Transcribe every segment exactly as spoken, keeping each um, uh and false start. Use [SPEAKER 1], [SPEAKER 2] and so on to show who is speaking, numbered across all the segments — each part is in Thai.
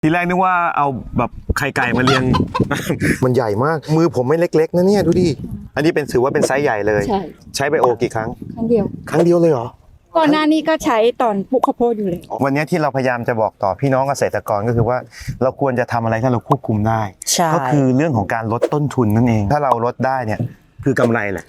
[SPEAKER 1] ทีแรกนึกว่าเอาแบบไข่ไก่มาเลี้ยง
[SPEAKER 2] มันใหญ่มากมือผมไม่เล็กๆนะเนี่ยดูดิอันนี้เป็นถือว่าเป็นไซส์ใหญ่เลย
[SPEAKER 3] ใช่
[SPEAKER 2] ใช้ไบโอกี่ครั้ง
[SPEAKER 3] ครั้งเดียว
[SPEAKER 2] ครั้งเดียวเลยเหรอ
[SPEAKER 3] ก่อนหน้านี้ก็ใช้ตอนปลูกข้าวโพดอยู่เลย
[SPEAKER 2] วันนี้ที่เราพยายามจะบอกต่อพี่น้องเกษตรกรก็คือว่าเราควรจะทำอะไรถ้าเราควบคุมได้
[SPEAKER 4] ใช่
[SPEAKER 2] ก็คือเรื่องของการลดต้นทุนนั่นเอง ถ้าเราลดได้เนี่ยคือกำไรแหละ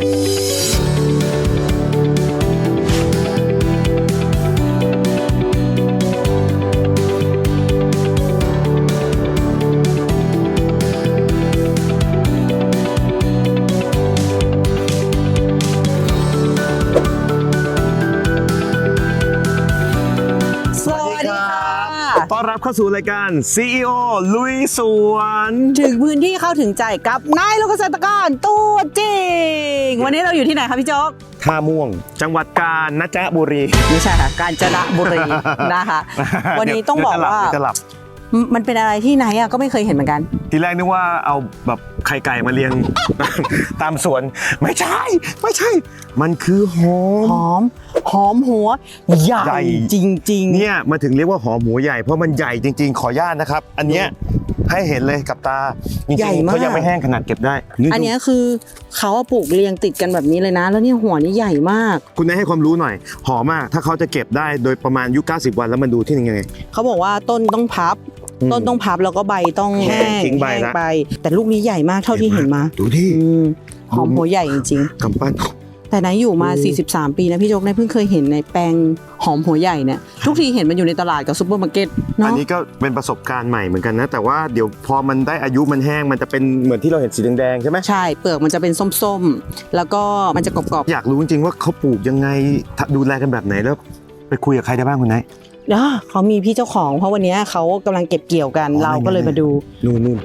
[SPEAKER 4] สวัสดีค่ะ
[SPEAKER 1] ต้อนรับเข้าสู่รายการ ซี อี โอ ลุยสวน
[SPEAKER 4] ถึงพื้นที่เข้าถึงใจกับนายลูกเกษตรกรตัวจริง วันนี้เราอยู่ที่ไหนคะพี่โจ๊ก
[SPEAKER 2] ท่าม่วง
[SPEAKER 1] จังหวัดกาญจนบุรี
[SPEAKER 4] ไม่ใช่ค่ะ กาญจนบุรีนะคะ วันนี้ต้องบอกว่า
[SPEAKER 1] เดี๋ยจะหลับ
[SPEAKER 4] มันเป็นอะไรที่ไหนอ่ะก็ไม่เคยเห็นเหมือนกัน
[SPEAKER 1] ทีแรกนึกว่าเอาแบบไข่ไก่มาเลี้ยง ตามสวนไม่ใช่ ไม่ใช่ มันคือหอ
[SPEAKER 4] ห
[SPEAKER 1] ม
[SPEAKER 4] อม หอมหัว ใหญ่
[SPEAKER 1] ใหญ่
[SPEAKER 4] จริงๆ
[SPEAKER 1] เนี่ยมาถึงเรียกว่าหอมหัวใหญ่เพราะมันใหญ่จริงๆ ขออนุญาตนะครับ อันเนี้ยให้เห็นเลยกับตาจริง
[SPEAKER 4] ใหญ่
[SPEAKER 1] ๆ
[SPEAKER 4] มาก
[SPEAKER 1] เขายังไม่แห้งขนาดเก็บได้
[SPEAKER 4] อันเนี้ยคือเขาอะปลูกเรียงติดกันแบบนี้เลยนะ แล้วเนี่ยหัวนี่ใหญ่มาก
[SPEAKER 1] คุณนายให้ความรู้หน่อยหอมมากถ้าเขาจะเก็บได้โดยประมาณอายุเก้าสิบวันแล้วมันดูที่ยังไง
[SPEAKER 4] เขาบอกว่าต้นต้องพับ
[SPEAKER 1] อืม
[SPEAKER 4] ต้นต้องพับแล้วก็ใบต้อง
[SPEAKER 1] แห้
[SPEAKER 4] แห้
[SPEAKER 1] ง
[SPEAKER 4] ง
[SPEAKER 1] ทิ้งใบ
[SPEAKER 4] แห้ง
[SPEAKER 1] ละ
[SPEAKER 4] ไป แต่ลูกนี้ใหญ่มากเท่าที่เห็นมา
[SPEAKER 1] ดูที่
[SPEAKER 4] อืมหอมหัวใหญ่จริง
[SPEAKER 1] กำปั้น
[SPEAKER 4] ๆ แต่นายอยู่มา
[SPEAKER 1] อืม
[SPEAKER 4] สี่สิบสาม ปีนะพี่โจ๊กนายเพิ่งเคยเห็นในแปลงหอมหัวใหญ่เนี่ย ทุกทีเห็นมันอยู่ในตลาดกับซุปเปอร์มาร์เก็ต
[SPEAKER 1] อัน
[SPEAKER 4] เนาะ
[SPEAKER 1] นี้ก็เป็นประสบการณ์ใหม่เหมือนกันนะ แต่ว่าเดี๋ยวพอมันได้อายุมันแห้งมันจะเป็นเหมือนที่เราเห็นสีแดงๆใช่ไหม
[SPEAKER 4] ใช่ เปลือกมันจะเป็นส้มๆ แล้วก็มันจะกรอบ
[SPEAKER 1] อยากรู้จริงๆว่าเขาปลูกยังไงดูแลกันแบบไหนแล้วไปคุยกับใครได้บ้างคุณนาย
[SPEAKER 4] ๆเดี๋ยวเขามีพี่เจ้าของ เพราะวันนี้เขากำลังเก็บเกี่ยวกัน
[SPEAKER 1] อ๋อ
[SPEAKER 4] เราก็เลยมาดู
[SPEAKER 1] นู่นนู่น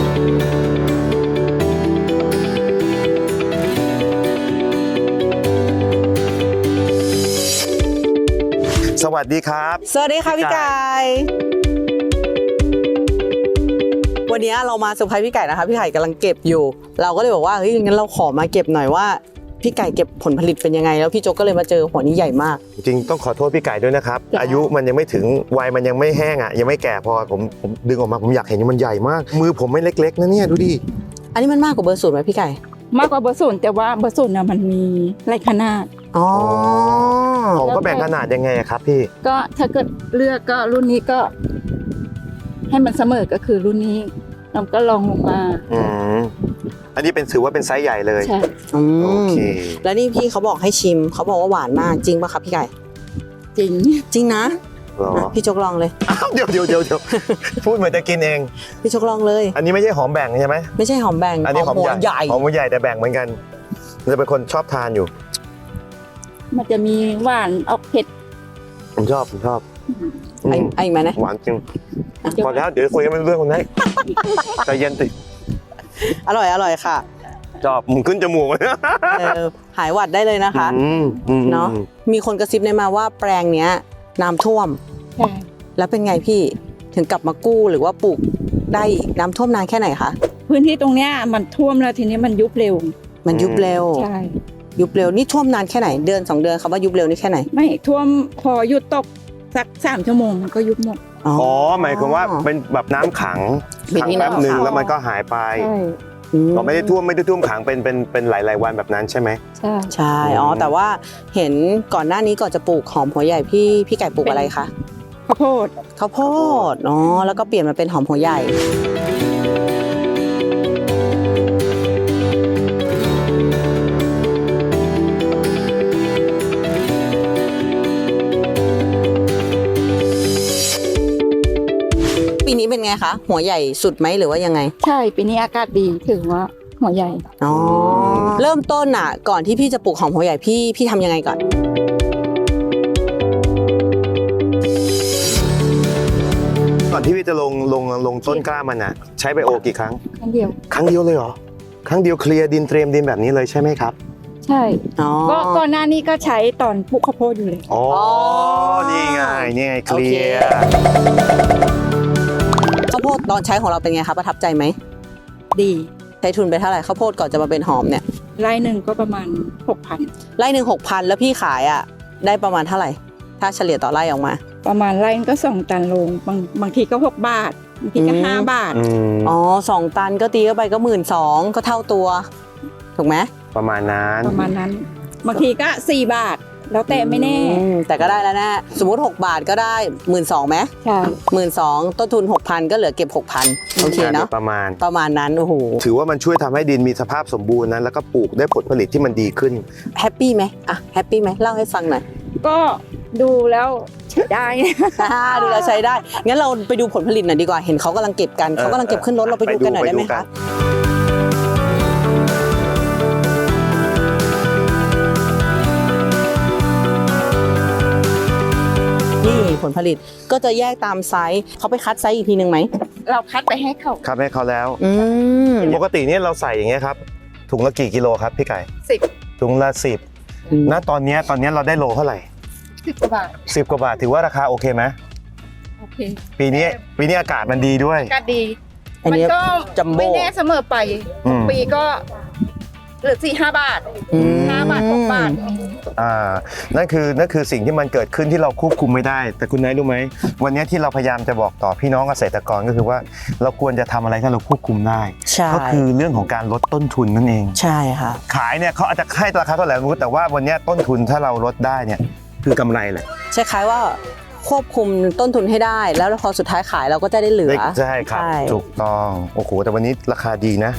[SPEAKER 1] สวัสดีครับ
[SPEAKER 4] สวัสดีค่ะพี่ไก่วันนี้เรามาเซอร์ไพรส์พี่ไก่นะคะพี่ไก่กำลังเก็บอยู่ เราก็เลยบอกว่าเฮ้ยงั้นเราขอมาเก็บหน่อยว่าพี่ไก่เก็บผลผลิตเป็นยังไงแล้วพี่โจ๊กก็เลยมาเจอหัวนี้ใหญ่มาก
[SPEAKER 1] จริงๆต้องขอโทษพี่ไก่ด้วยนะครับ
[SPEAKER 4] จ้ะ
[SPEAKER 1] อายุมันยังไม่ถึงวัยมันยังไม่แห้งอ่ะยังไม่แก่พอผมผมดึงออกมาผมอยากเห็นมันใหญ่มาก มือผมไม่เล็กๆนะเนี่ยดูดิ
[SPEAKER 4] อันนี้มันมากกว่าเบอร์ศูนย์ไหมพี่ไก่
[SPEAKER 3] มากกว่าเบอร์ศูนย์แต่ว่าเบอร์ศูนย์น่ะมันมีหลายขนาด
[SPEAKER 4] อ๋อ
[SPEAKER 1] ผมก็แบ่งขนาดยังไงอะครับพี่
[SPEAKER 3] ก็ถ้าเกิดเลือกก็รุ่นนี้ก็ ให้มันเสมอก็คือรุ่นนี้เราก็ลองลงมา
[SPEAKER 1] อืมอันนี้เป็นถือว่าเป็นไซส์ใหญ่เลย
[SPEAKER 3] ใช่
[SPEAKER 4] อื
[SPEAKER 1] โอ
[SPEAKER 4] ม
[SPEAKER 1] เค
[SPEAKER 4] แล้วนี่พี่เขาบอกให้ชิมเขาบอกว่าหวานมากจริงป่ะครับพี่ไก่
[SPEAKER 3] จริง
[SPEAKER 4] จริงนะ
[SPEAKER 1] เหรอ
[SPEAKER 4] อ่ะพี่โจ๊กลองเลย
[SPEAKER 1] อ้าวเดี๋ยวเดี๋ยวเดี๋ยวเดี๋ยวพูดเหมือนจะกินเอง
[SPEAKER 4] พี่โจ๊กลองเลย
[SPEAKER 1] อันนี้ไม่ใช่หอมแบ่งใช่ไหม
[SPEAKER 4] ไม่ใช่หอมแบ่ง
[SPEAKER 1] อันนี้หอม
[SPEAKER 4] หัว
[SPEAKER 1] ใหญ่
[SPEAKER 4] ใหญ่
[SPEAKER 1] หอมหัวใหญ่แต่แบ่งเหมือนกันจะเป็นคนชอบทานอยู่
[SPEAKER 3] มันจะมีหวานออกเผ็ด
[SPEAKER 1] ผมชอบผมชอบ
[SPEAKER 4] ไอ้
[SPEAKER 1] อืม
[SPEAKER 4] ไอ้อีกไหมนะ
[SPEAKER 1] หวานจริงพอแล้วเดี๋ยวคุยกันไม่รู้เรื่องคนไหนใจเย็นติ
[SPEAKER 4] อร่อยอร่อยค่ะ
[SPEAKER 1] ชอบมึงขึ้นจมูกเลย
[SPEAKER 4] เออหายหวัดได้เลยนะคะ
[SPEAKER 1] อืมอืม
[SPEAKER 4] เนาะมีคนกระซิบในมาว่าแปลงเนี้ยน้ำท่วม
[SPEAKER 3] ใช่
[SPEAKER 4] แล้วเป็นไงพี่ถึงกลับมากู้หรือว่าปลูกได้อีกน้ำท่วมนานแค่ไหนคะ
[SPEAKER 3] พื้นที่ตรงเนี้ยมันท่วมแล้วทีนี้มันยุบเร็ว
[SPEAKER 4] มันยุบเร็ว
[SPEAKER 3] ใช่
[SPEAKER 4] ยุบเร็วนี่ท่วมนานแค่ไหนเดือนสองเดือนคำว่ายุบเร็วนี่แค่ไหน
[SPEAKER 3] ไม่ท่วมพอหยุดตกสักสามชั่วโมงมันก็ยุบหมด
[SPEAKER 1] อ๋อหมายความว่าเป็นแบบน้ำขัง
[SPEAKER 4] เป็น
[SPEAKER 1] ขัง
[SPEAKER 4] ที่
[SPEAKER 1] แป๊บ
[SPEAKER 4] น้ำ
[SPEAKER 1] หนึ่ง
[SPEAKER 4] ขัง
[SPEAKER 1] แล้วมันก็หายไป
[SPEAKER 3] ใช่
[SPEAKER 1] เราไม่ได้ท่วมไม่ได้ท่วมขังเป็นเป็นเป็นหลายๆวันแบบนั้นใช่ไหม
[SPEAKER 3] ใช่
[SPEAKER 4] ใช่อ๋อแต่ว่าเห็นก่อนหน้านี้ก่อนจะปลูกหอมหัวใหญ่พี่พี่ไก่ปลูกอะไรคะ
[SPEAKER 3] ข้าวโพด
[SPEAKER 4] ข้าวโพดอ๋อแล้วก็เปลี่ยนมาเป็นหอมหัวใหญ่ปีนี้เป็นไงคะหัวใหญ่สุดไหมหรือว่ายังไง
[SPEAKER 3] ใช่ปีนี้อากาศดีถือว่าหัวใหญ่
[SPEAKER 4] อ๋อเริ่มต้นอ่ะ ก่อนที่พี่จะปลูกหอมหัวใหญ่พี่พี่ทำยังไงก่อน
[SPEAKER 1] ก่อนที่พี่จะลงลงลงต้นกล้ามันอ่ะใช้ไบโอกี่ครั้ง
[SPEAKER 3] ครั้งเดียว
[SPEAKER 1] ครั้งเดียวเลยเหรอครั้งเดียวเคลียร์ดินเตรียมดินแบบนี้เลยใช่ไหมครับ
[SPEAKER 3] ใช่
[SPEAKER 4] อ๋อ
[SPEAKER 3] ก็ก่อนหน้านี้ก็ใช้ตอนปลูกข้าวโพดอยู่เลย
[SPEAKER 1] อ๋อ
[SPEAKER 4] อ๋อ
[SPEAKER 1] นี่ไงนี่ไงเคลี
[SPEAKER 4] โอเค
[SPEAKER 1] ยร์
[SPEAKER 4] ข้าวโพดตอนใช้ของเราเป็นไงคะประทับใจไหม
[SPEAKER 3] ดี
[SPEAKER 4] ใช้ทุนไปเท่าไหร่ข้าวโพดก่อนจะมาเป็นหอมเนี่ย
[SPEAKER 3] ไร่หนึ่งก็ประมาณหกพัน
[SPEAKER 4] ไร่หนึ่งหกพันแล้วพี่ขายอ่ะได้ประมาณเท่าไหร่ถ้าเฉลี่ยต่อไร่ออกมา
[SPEAKER 3] ประมาณไร่ก็สองตันโลงบางบางทีก็หกบาทบางทีก็
[SPEAKER 4] อืม
[SPEAKER 3] ห้าบาท
[SPEAKER 2] อืม
[SPEAKER 4] อ๋อสองตันก็ตีเข้าไปก็หมื่นสองก็เท่าตัว ถูกไหม
[SPEAKER 2] ประมาณนั้น
[SPEAKER 3] ประมาณนั้น บางทีก็สี่บาท แล้วแต่ไม่แน่
[SPEAKER 4] อืมแต่ก็ได้แล้วนะสมมติหกบาทก็ได้หมื่นสองไหม
[SPEAKER 3] ใช่
[SPEAKER 4] หมื่นสองต้นทุนหกพันก็เหลือเก็บหกพันโอเคเนาะ
[SPEAKER 2] ประมาณ
[SPEAKER 4] ประมาณนั้นโอ้โห
[SPEAKER 2] ถือว่ามันช่วยทำให้ดินมีสภาพสมบูรณ์นะแล้วก็ปลูกได้ผลผลิตที่มันดีขึ้น
[SPEAKER 4] แฮปปี้ไหมอ่ะแฮปปี้ไหมเล่าให้ฟังหน่อย
[SPEAKER 3] ก็ดูแล้วใช้ได้
[SPEAKER 4] อ่าดูแลวใช้ได้ งั้นเราไปดูผลผลิตหน่อยดีกว่า เห็นเขากำลังเก็บกัน เขากำลังเก็บขึ้นรถ เราไปดูกันหน่อยได้ไหม
[SPEAKER 2] ไปดูกั
[SPEAKER 4] คะ
[SPEAKER 2] น
[SPEAKER 4] นี่ผลผลิตก็จะแยกตามไซส์เขาไปคัดไซส์อีกทีหนึ่งไหม
[SPEAKER 3] เราคัดไปให้เขา
[SPEAKER 2] ครับให้เขาแล้ว
[SPEAKER 4] อืม
[SPEAKER 2] ปกติเนี่ยเราใส่อย่างเงี้ยครับถุงละกี่กิโลครับพี่ไก่
[SPEAKER 3] สิบ
[SPEAKER 2] ถุงละสิบณตอนเนี้ยตอนเนี้ยเราได้โลเท่าไหร่
[SPEAKER 3] สิบกว่าบาท
[SPEAKER 2] สิบกว่าบาทถือว่าราคาโอเคไหม
[SPEAKER 3] โอเค
[SPEAKER 2] ปีนี้ปีนี้อากาศมันดีด้วย
[SPEAKER 3] ก็ดี
[SPEAKER 4] อัน
[SPEAKER 3] มั
[SPEAKER 4] นี้
[SPEAKER 3] ก็
[SPEAKER 4] จัมโบ้
[SPEAKER 3] ไม่แน่เสมอไป
[SPEAKER 2] อืม
[SPEAKER 3] ปีก็เหลือสี่ห้าบาท
[SPEAKER 4] อืม
[SPEAKER 3] ห้าบาทหกบาท
[SPEAKER 2] อ่านั่นคือนั่นคือสิ่งที่มันเกิดขึ้นที่เราควบคุมไม่ได้ แต่คุณนายรู้ไหมวันนี้ที่เราพยายามจะบอกต่อพี่น้องเกษตรกรก็คือว่าเราควรจะทำอะไรที่เราควบคุมได้
[SPEAKER 4] ใช่
[SPEAKER 2] ก็คือเรื่องของการลดต้นทุนนั่นเอง
[SPEAKER 4] ใช่ค่ะ
[SPEAKER 2] ขายเนี่ยเขาอาจจะให้ราคาเท่าไหร่ไม่รู้แต่ว่าวันนี้ต้นทุนถ้าเราลดได้เนี่ยคือกำไรแหละ
[SPEAKER 4] ใช่คล้ายว่าควบคุมต้นทุนให้ได้ แล้วพอสุดท้ายขายเราก็จะได้เหลือ
[SPEAKER 2] ใช่ครับ
[SPEAKER 4] ใช่
[SPEAKER 2] ถูกต้องโอ้โหแต่วันนี้ราคาดีนะ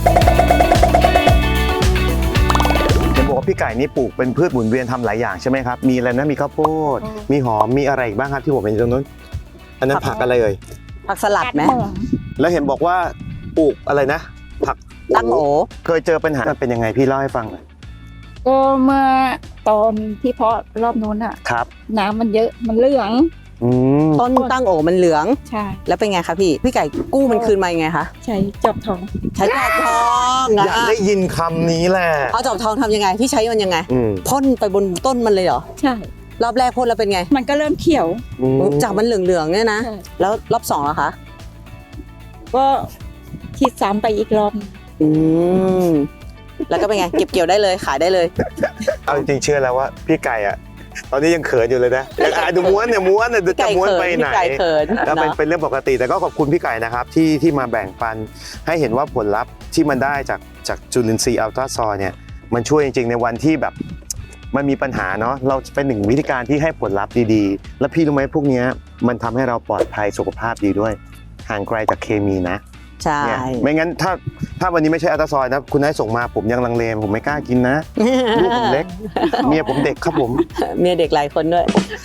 [SPEAKER 2] เห็นบอกว่าพี่ไก่นี่ปลูกเป็นพืชหมุนเวียนทำหลายอย่างใช่ไหมครับมีอะไรนะมีข้าวโพดมีหอมมีอะไรอีกบ้างครับที่ผมเห็นอยู่ตรงนู้นอันนั้นผักอะไรเอ่ย
[SPEAKER 4] ผักสลัดไหม
[SPEAKER 2] แล้วเห็นบอกว่าปลูกอะไรนะ ผัก
[SPEAKER 4] ตั้งโอ
[SPEAKER 2] เคยเจอปัญหามันเป็นยังไงพี่เล่าให้ฟังหน่อย
[SPEAKER 3] ก็เมื่อตอนที่เพาะรอบนู้นอะ
[SPEAKER 2] ครับ
[SPEAKER 3] น้ำมันเยอะมันเหลือง
[SPEAKER 2] อืม
[SPEAKER 4] ต้นตั้งโอมันเหลือง
[SPEAKER 3] ใช่
[SPEAKER 4] แล้วเป็นไงคะพี่ พี่ไก่กู้มันคืนมายังไงคะ
[SPEAKER 3] ใช้จอบทอง
[SPEAKER 4] ใช้จอบทอง
[SPEAKER 2] อ
[SPEAKER 4] อะ
[SPEAKER 2] ยากได้ยินคำนี้แหละ
[SPEAKER 4] เอาจอบทองทำยังไง พี่ใช้มันยังไง
[SPEAKER 2] อืม
[SPEAKER 4] พ่นไปบนต้นมันเลยเหรอ
[SPEAKER 3] ใช่
[SPEAKER 4] รอบแรกพ่นแล้วเป็นไง
[SPEAKER 3] มันก็เริ่มเขียว
[SPEAKER 2] อืม
[SPEAKER 4] จากมันเหลืองๆเนี่ยนะ
[SPEAKER 3] ใช่
[SPEAKER 4] แล้วรอบสองล่ะคะ
[SPEAKER 3] ก็ฉีดซ้ำไปอีกรอบ
[SPEAKER 4] อืม แล้วก็เป็นไง เก็บเกี่ยวได้เลยขายได้เลย
[SPEAKER 2] เอาจริงๆเชื่อแล้วว่าพี่ไก่อะตอนนี้ยังเขินอยู่เลยนะยังอายดูม้วนเนี่ยม้วนเนี่ย
[SPEAKER 4] พี่
[SPEAKER 2] จะ
[SPEAKER 4] ไก่
[SPEAKER 2] ม้วน
[SPEAKER 4] เขิน
[SPEAKER 2] ไปไหน
[SPEAKER 4] พี่ไก่เขิน
[SPEAKER 2] ก็เป็น
[SPEAKER 4] เนาะ
[SPEAKER 2] เป็นเรื่องปกติแต่ก็ขอบคุณพี่ไก่นะครับที่ที่มาแบ่งปันให้เห็นว่าผลลัพธ์ที่มันได้จากจากจุลินทรีย์อัลตราซอยเนี่ยมันช่วยจริงๆในวันที่แบบมันมีปัญหาเนาะเราเป็นหนึ่งวิธีการที่ให้ผลลัพธ์ดีๆ แล้วพี่รู้ไหมพวกเนี้ยมันทำให้เราปลอดภัยสุขภาพดีด้วยห่างไกลจากเคมีนะ
[SPEAKER 4] ใช่
[SPEAKER 2] เนี่ยไม่งั้นถ้าถ้าวันนี้ไม่ใช่อัลตราซอยนะคุณนายส่งมาผมยังลังเลผมไม่กล้ากินนะลูกผมเล็กเมียผมเด็กครับผม
[SPEAKER 4] เมียเด็กหลายคนด้วย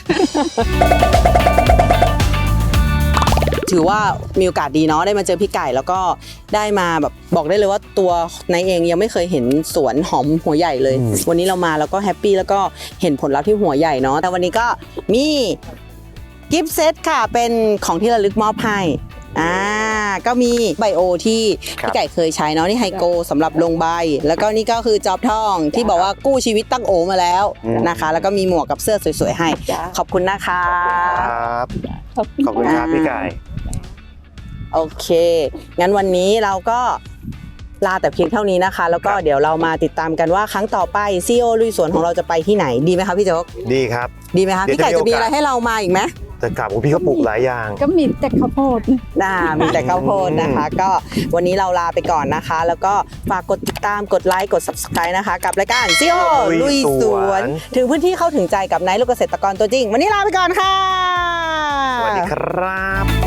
[SPEAKER 4] ถือว่ามีโอกาสดีเนาะได้มาเจอพี่ไก่แล้วก็ได้มาแบบบอกได้เลยว่าตัวนายเองยังไม่เคยเห็นสวนหอมหัวใหญ่เลย
[SPEAKER 2] อืม
[SPEAKER 4] วันนี้เรามาแล้วก็แฮปปี้แล้วก็เห็นผลลัพธ์ที่หัวใหญ่เนาะแต่วันนี้ก็มีกิฟต์เซตค่ะเป็นของที่ระลึกมอบให้อ่าก็มีไบโอที่พี่ไก่เคยใช้เนาะนี่ไฮโกสำหรับลงใบ แล้วก็นี่ก็คือจอบทองที่บอกว่ากู้ชีวิตตั้งโอมาแล้วนะคะ แล้วก็มีหมวกกับเสื้อสวยๆให้
[SPEAKER 3] จ้า
[SPEAKER 4] ขอบคุณนะคะ
[SPEAKER 2] ครับ
[SPEAKER 3] ขอบคุณ
[SPEAKER 2] ขอบคุณครับพี่ไก่
[SPEAKER 4] โอเค งั้นวันนี้เราก็ลาแต่เพียงเท่านี้นะคะ แล้วก็เดี๋ยวเรามาติดตามกันว่าครั้งต่อไปซีโอลุยสวนของเราจะไปที่ไหนดีไหมคะพี่โจ๊ก
[SPEAKER 2] ดีครับ
[SPEAKER 4] ดีไหมคะ
[SPEAKER 2] เดี๋ยว
[SPEAKER 4] พี่ไก่
[SPEAKER 2] จะ
[SPEAKER 4] จะ
[SPEAKER 2] มี
[SPEAKER 4] มี
[SPEAKER 2] โอกาส
[SPEAKER 4] อะไรให้เรามาอีกไหม
[SPEAKER 2] แต่กลับพี่เขาปลูกหลายอย่าง
[SPEAKER 3] ก็มีแต่ข้าวโพด
[SPEAKER 4] น่ามีแต่ข้าวโพดนะคะ ก็วันนี้เราลาไปก่อนนะคะ แล้วก็ฝากกดติดตามกดไลค์กด ซับสไครบ์ นะคะ กับรายการซีโอ
[SPEAKER 2] ลุ
[SPEAKER 4] ลุย
[SPEAKER 2] ย
[SPEAKER 4] ส
[SPEAKER 2] ส
[SPEAKER 4] ว
[SPEAKER 2] วน น
[SPEAKER 4] ถึงพื้นที่เข้าถึงใจกับนายลูกเกษตรกรตัวจริง วันนี้ลาไปก่อนค่ะ
[SPEAKER 2] สวัสดีครับ